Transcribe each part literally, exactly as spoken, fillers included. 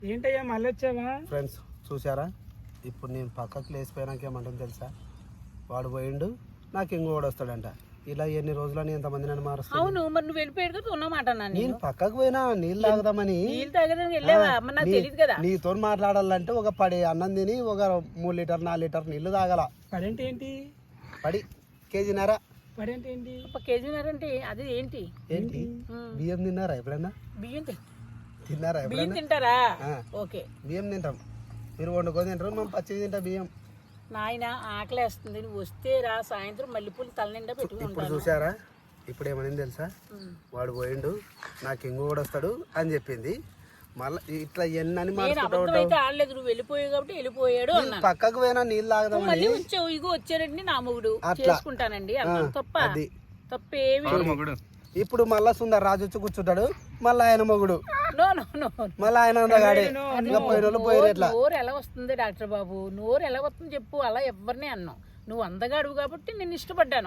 ఏంటయ్యా మళ్ళీ వచ్చావా? ఫ్రెండ్స్ చూసారా, ఇప్పుడు నేను పక్కకు లేచిపోయినాక ఏమంటుంది తెలుసా, వాడు పోయిండు నాకు ఇంకోడు వస్తాడంట. ఇలా ఎన్ని రోజులని ఎంతమంది నన్ను మారుస్తాను. అవును, మరి నువ్వు వెళ్ళిపోయాడు ఉన్నమాట. నేను పక్కకు పోయినా నీళ్ళు తాగుదామని. నీళ్ళు తాగడానికి వెళ్ళావా? నాకు తెలియదు కదా. నీతో మాట్లాడాలంటే ఒక పడి అన్నం తిని ఒక మూడు లీటర్ నాలుగు లీటర్ నీళ్లు తాగల. పడేంటి ఏంటి? పడి కేజీన్నర. పడేంటి ఏంటి? ఒక కేజీన్నర అంటే అది ఏంటి? ఏంటి బియ్యం తిన్నారా ఎప్పుడైనా? బియ్యం తిన్నారా బియ్యం ఎప్పుడైనా? తింటారా? ఓకే, బియ్యం తింటాం. మీరు వండుకొని తింటారు, మేము పచ్చివి తింటాం బియ్యం. నాయన ఆకలేస్తుంది, నువ్వు వస్తే రా, సాయంత్రం మల్లెపూలు తల నిండా పెట్టుకుంటాను. ఇప్పుడు చూసారా, ఇప్పుడు ఏమని తెలుసా, వాడు పోయిండు నాకు ఇంకో కూడా వస్తాడు అని చెప్పింది. మళ్ళీ ఇట్లా ఎన్నని అబద్ధమైతే ఆడలేదు, నువ్వు వెళ్ళిపోయావు కాబట్టి వెళ్ళిపోయాడు అన్నాను. పక్కకు పోయినా నీళ్ళు తాగదాం. మళ్ళీ వచ్చావు, ఇగో వచ్చాడండి నా మొగుడు చేసుకుంటానండి అన్నాను. తప్ప తప్పేమి. ఇప్పుడు మళ్ళా సుందర్ రాజు వచ్చి కూర్చుంటాడు, మళ్ళీ ఆయన మొగుడు, నో నో నో మళ్ళీ ఆయన అందగాడే. నోరు ఎలా వస్తుంది డాక్టర్ బాబు, నోరు ఎలా వస్తుంది చెప్పు. అలా ఎవరిని అన్నావు, నువ్వు అందగాడు కాబట్టి నేను ఇష్టపడ్డాను.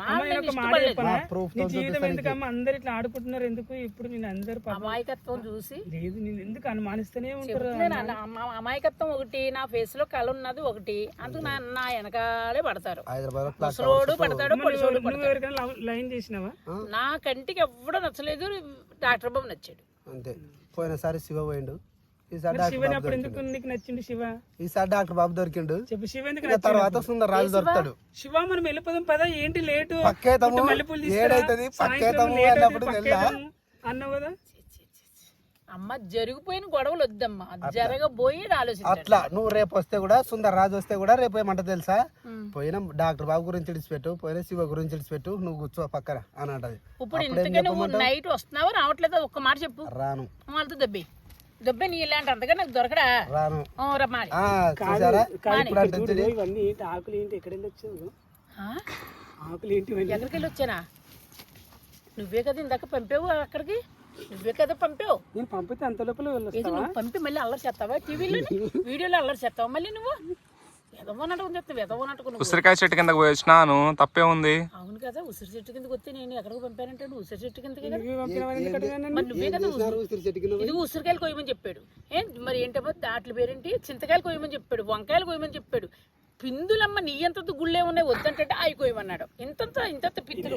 అందరు ఇట్లా ఆడుకుంటున్నారు ఎందుకు? ఇప్పుడు నేను అందరు అమాయకత్వం చూసి లేదు, నేను ఎందుకు అనుమానిస్తూనే ఉంటారు. అమాయకత్వం ఒకటి, నా ఫేస్ లో కళ ఉన్నది ఒకటి, అందుకు నా నా వెనకాలే పడతారు. ముసలోడు పడతాడు, పొడిసోడు పడతాడు. లైన్ చేసినావా? నా కంటికి ఎవ్వడూ నచ్చలేదు, డాక్టర్ బాబు నచ్చాడు అంతే. పోయినసారి శివ పోయిండు, శివ ఎందుకు నీకు నచ్చిండు? శివ ఈసారి డాక్టర్ బాబు దొరికిండు. చెప్పు శివ ఎందుకు? తర్వాత సుందర్ రాజు దొరుకుతాడు. శివ మనం వెళ్ళిపోదాం పదా, ఏంటి లేటు? పక్కేతము ఏడైతుంది, పక్కేతము అన్నప్పుడు అన్నావు కదా. అమ్మ జరిగిపోయిన గొడవలు వద్దమ్మా, జరగబోయి ఆలోచన. అట్లా నువ్వు రేపు వస్తే కూడా, సుందర్ రాజు వస్తే కూడా రేపు ఏమంట తెలుసా, పోయిన డాక్టర్ బాబు గురించి ఇడిచిపెట్టు, పోయిన శివ గురించి ఇడిచిపెట్టు, నువ్వు కూర్చో పక్కన అని అంటది. ఇప్పుడు ఇంతకే నువ్వు నైట్ వస్తున్నావా రావట్లేదా? ఒక్క మాట చెప్పు. రాను. వాళ్ళతో దెబ్బే దెబ్బే నీ ఇలాంటి అంతగా నాకు దొరకడా? రాను. రమ్మాలి. ఇవన్నీ ఏంటి? ఆకులు ఏంటి? ఎక్కడ వెళ్ళి వచ్చావు? ఆకులు ఏంటి? ఎక్కడికి వెళ్ళి వచ్చానా? నువ్వే కదా ఇందాక పంపావు అక్కడికి, నువ్వే కదా పంపావు. నేను పంపితే అంత లోపల ఇది నువ్వు పంపి మళ్ళీ అల్లరి చేస్తావా? టీవీలో వీడియోలో అల్లరి చేస్తావా మళ్ళీ నువ్వు? ఉసిరికాయ చెట్టు కిందకి పోయి వచ్చినాను, తప్పే ఉంది. అవును కదా, ఉసిరి చెట్టు కిందకి వస్తే నేను ఎక్కడికి పంపానంటే ఉసిరి చెట్టు కిందకి. ఇది ఉసిరికాయలు కొయ్యమని చెప్పాడు. ఏం మరి ఏంటమ్మా దాంట్లో పేరేంటి? చింతకాయలు కొయ్యమని చెప్పాడు, వంకాయలు కొయ్యమని చెప్పాడు. పిందులమ్మ నీ ఎంత గుళ్ళే ఉన్నాయి వద్దంటే అవి కొయ్యమన్నాడు. ఇంతంత ఇంత పిందులు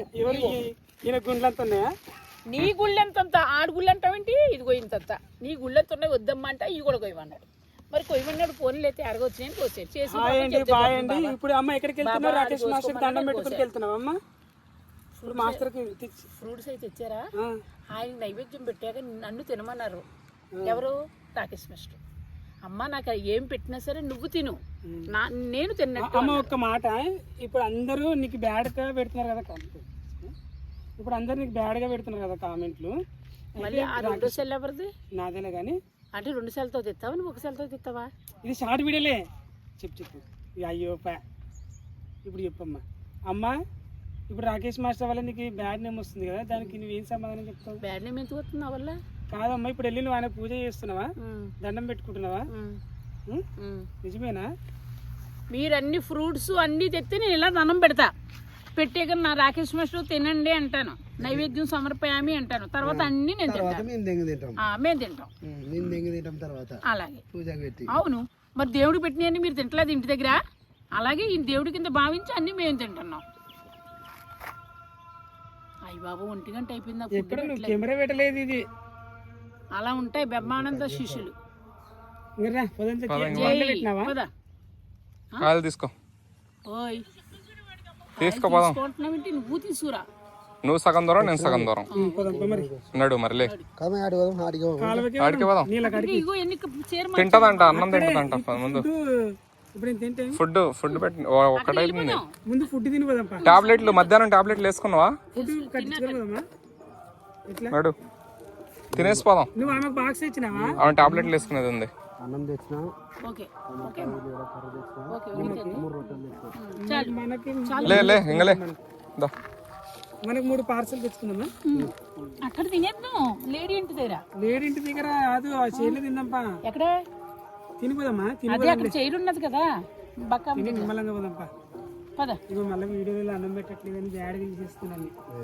నీ గుళ్ళెంతంత, ఆడు గుళ్ళు అంటావేంటి? ఇదిగో ఇంతంత నీ గుళ్ళెంత ఉన్నాయి వద్దమ్మా అంటే ఇవి కూడా కొయ్యమన్నాడు. మరి కొయ్యమన్నాడు, ఫోన్లు అయితే అడగొచ్చాయని కోసాడు చేసి. ఇప్పుడు అమ్మ ఎక్కడికి వెళ్తున్నావు? రాకేష్ మాస్టర్ దండం పెట్టుకుని వెళ్తున్నావు అమ్మ? ఇప్పుడు మాస్టర్ ఫ్రూట్స్ అయితే ఇచ్చారా? ఆయన నైవేద్యం పెట్టాక నన్ను తినమన్నారు. ఎవరు? రాకేష్ మాస్టర్. అమ్మ నాకు ఏం పెట్టినా సరే నువ్వు తిను, నా నేను తిన్నట్టు. అమ్మ ఒక్క మాట, ఇప్పుడు అందరూ నీకు బ్యాడ్గా పెడుతున్నారు కదా, ఇప్పుడు అందరు నీకు బ్యాడ్గా పెడుతున్నారు కదా కామెంట్లు. మళ్ళీ ఆ రెండో సెల్ ఎవరిది? నాదేలే కానీ. అంటే రెండు సెల్తో తెస్తావా నువ్వు ఒక సెల్తో తెస్తావా? ఇది షార్ట్ వీడియోలే. చెప్పు చెప్పు. అయ్యో పా ఇప్పుడు చెప్పమ్మా. అమ్మ ఇప్పుడు రాకేష్ మాస్టర్ వల్ల నీకు బ్యాడ్ నేమ్ వస్తుంది కదా, దానికి నువ్వేం సమాధానం చెప్తావు? బ్యాడ్ నేమ్ ఎందుకు వస్తుంది నా వల్ల? కాదమ్మా, ఇప్పుడు వెళ్ళి నువ్వు ఆయన పూజ చేస్తున్నావా, దండం పెట్టుకుంటున్నావా? నిజమేనా? మీరు అన్ని ఫ్రూట్స్ అన్ని తెస్తే నేను ఇలా దండం పెడతా, పెట్టాక నా రాకేష్ మాస్టర్ తినండి అంటాను, నైవేద్యం సమర్పయామి అంటాను, తర్వాత అన్ని నేను తింటాను, మేము తింటాం. అలాగే అవును, మరి దేవుడికి పెట్టినవన్నీ మీరు తింటలేదు ఇంటి దగ్గర, అలాగే ఈ దేవుడి కింద భావించి అన్ని మేము తింటున్నాం. అయ్య బాబు ఒంటి గంట అయిపోయింది, కెమెరా పెట్టలేదు. ఇది అలా ఉంటాయి బ్రహ్మానంద శిష్యులు. తీసుకో ఓయ్ తీసుకుంటున్నావేంటి? నువ్వు తీసుకురా, నువ్వు సగం దూరం నేను సగం దూరం నడు మరిలే. తింటదంట, అన్నం తింటదంట ముందు. ఫుడ్ ఫుడ్ పెట్టి ఒకటైతుంది. టాబ్లెట్లు మధ్యాహ్నం టాబ్లెట్లు వేసుకున్నావా? నడు తినేసి పోదాం. అవును టాబ్లెట్లు వేసుకునేది ఉంది. లే లే ఇంకలే మనకి మూడు పార్సల్ తెచ్చుకుందామా? అక్కడ తినేద్దాం, లేడీ ఇంటి దగ్గర. లేడీ ఇంటి దగ్గర కాదు, ఆ చైర్లో తిందాంపా. ఎక్కడ తినిపోదామా? అదే అక్కడ చైర్ ఉన్నది కదా, బక్క నిమ్మలంగా పోదాంపా. పద. ఇగో మళ్ళీ వీడియోలో అన్నం పెట్టట్లేదు అని బ్యాడ్ తీసేస్తున్నాను.